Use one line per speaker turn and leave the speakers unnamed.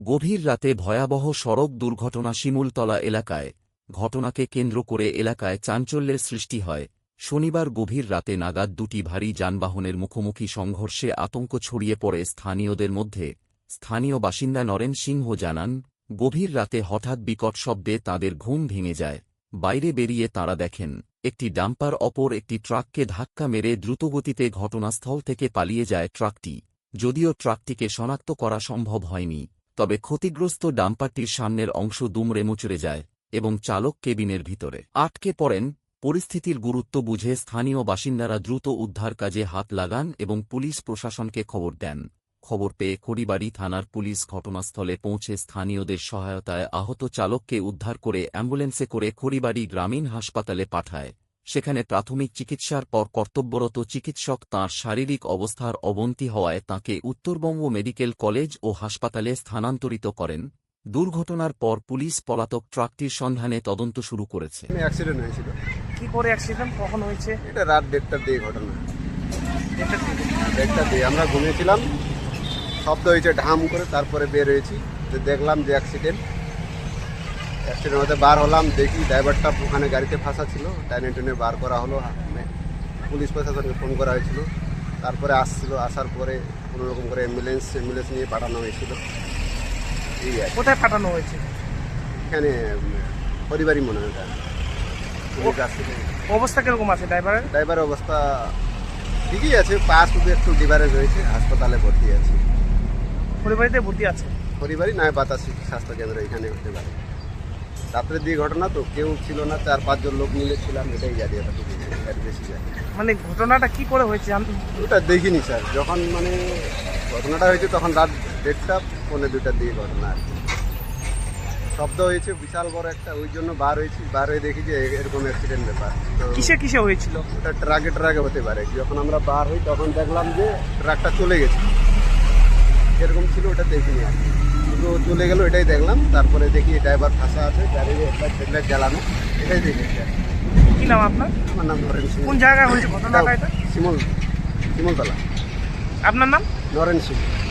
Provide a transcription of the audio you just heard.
গভীর রাতে ভয়াবহ সড়ক দুর্ঘটনা শিমুলতলা এলাকায়। ঘটনাকে কেন্দ্র করে এলাকায় চাঞ্চল্যের সৃষ্টি হয়। শনিবার গভীর রাতে নাগাদ দুটি ভারী যানবাহনের মুখোমুখি সংঘর্ষে আতঙ্ক ছড়িয়ে পড়ে স্থানীয়দের মধ্যে। স্থানীয় বাসিন্দা নরেন সিংহ জানান, গভীর রাতে হঠাৎ বিকট শব্দে তাঁদের ঘুম ভেঙে যায়। বাইরে বেরিয়ে তাঁরা দেখেন, একটি ডাম্পার অপর একটি ট্রাককে ধাক্কা মেরে দ্রুতগতিতে ঘটনাস্থল থেকে পালিয়ে যায় ট্রাকটি। যদিও ট্রাকটিকে শনাক্ত করা সম্ভব হয়নি, তবে ক্ষতিগ্রস্ত ডাম্পারটির সামনের অংশ দুমড়ে মুচড়ে যায় এবং চালক কেবিনের ভিতরে আটকে পড়েন। পরিস্থিতির গুরুত্ব বুঝে স্থানীয় বাসিন্দারা দ্রুত উদ্ধার কাজে হাত লাগান এবং পুলিশ প্রশাসনকে খবর দেন। খবর পেয়ে খড়িবাড়ি থানার পুলিশ ঘটনাস্থলে পৌঁছে স্থানীয়দের সহায়তায় আহত চালককে উদ্ধার করে অ্যাম্বুলেন্সে করে খড়িবাড়ি গ্রামীণ হাসপাতালে পাঠায়। সেখানে প্রাথমিক চিকিৎসার পর কর্তব্যরত চিকিৎসক তাঁর শারীরিক অবস্থার অবনতি হওয়ায় তাঁকে উত্তরবঙ্গ মেডিকেল কলেজ ও হাসপাতালে স্থানান্তরিত করেন। দুর্ঘটনার পর পুলিশ পলাতক ট্রাকটির সন্ধানে তদন্ত শুরু করেছে।
অ্যাক্সিডেন্ট হয়েছিল।
কি করে অ্যাক্সিডেন্ট কখন হয়েছে?
এটা রাত 1:30টার দিকে ঘটনা। 1:30টার দিকে আমরা ঘুমিয়েছিলাম, শব্দ হয়েছে ঢাম করে, তারপরে বের হয়েছি, দেখলাম যে অ্যাক্সিডেন্ট হতে বার হলাম, দেখি ড্রাইভারটা ওখানে গাড়িতে ফাঁসা ছিল। টাইনে টেনে বার করা হলো, পুলিশ প্রশাসনকে ফোন করা হয়েছিল। তারপরে আসার পরে কোনোরকম করে অ্যাম্বুলেন্স নিয়ে পাঠানো হয়েছিল। এই আর
কোথায় পাঠানো হয়েছে?
এখানে পরিবারই মনে হয়। পুলিশ আসছিল।
অবস্থা কিরকম আছে ড্রাইভারের?
ড্রাইভারের অবস্থা ঠিকই আছে, পা শুধু একটু ডিভারেজ হয়েছে, হাসপাতালে ভর্তি আছে।
পরিবারিতে ভর্তি আছে?
পরিবারই নয়, বাতাসি স্বাস্থ্য কেন্দ্র এখানে হতে পারে। রাত্রের দিকে ঘটনা তো, কেউ ছিল না, 4-5 জন লোক মিলে ছিলাম, এটাই জানি, এর বেশি জানি।
মানে ঘটনাটা কি করে হয়েছে?
ওটা দেখিনি স্যার, যখন মানে ঘটনাটা হয়েছে তখন রাত 1:30 পৌনে 2টার দিকে ঘটনা আর কি। শব্দ হয়েছে বিশাল বড় একটা, ওই জন্য বার হয়ে দেখি যে এরকম অ্যাক্সিডেন্ট ব্যাপার। তো
কিসে হয়েছিল?
ওটা ট্রাকে হতে পারে। যখন আমরা বার হই তখন দেখলাম যে ট্রাকটা চলে গেছে, এরকম ছিল, ওটা দেখিনি আর কি। শুধু চলে গেল এটাই দেখলাম। তারপরে দেখি ড্রাইভার ফাঁসা আছে, গাড়ির হেডলাইট জ্বালানো, এটাই দেখেছি।
কি নাম আপনার?
আমার নাম নরেন সিং।
কোন জায়গায় হয়েছে ঘটনাটা? এটা
শিমুলতলা।
আপনার নাম?
নরেন সিং।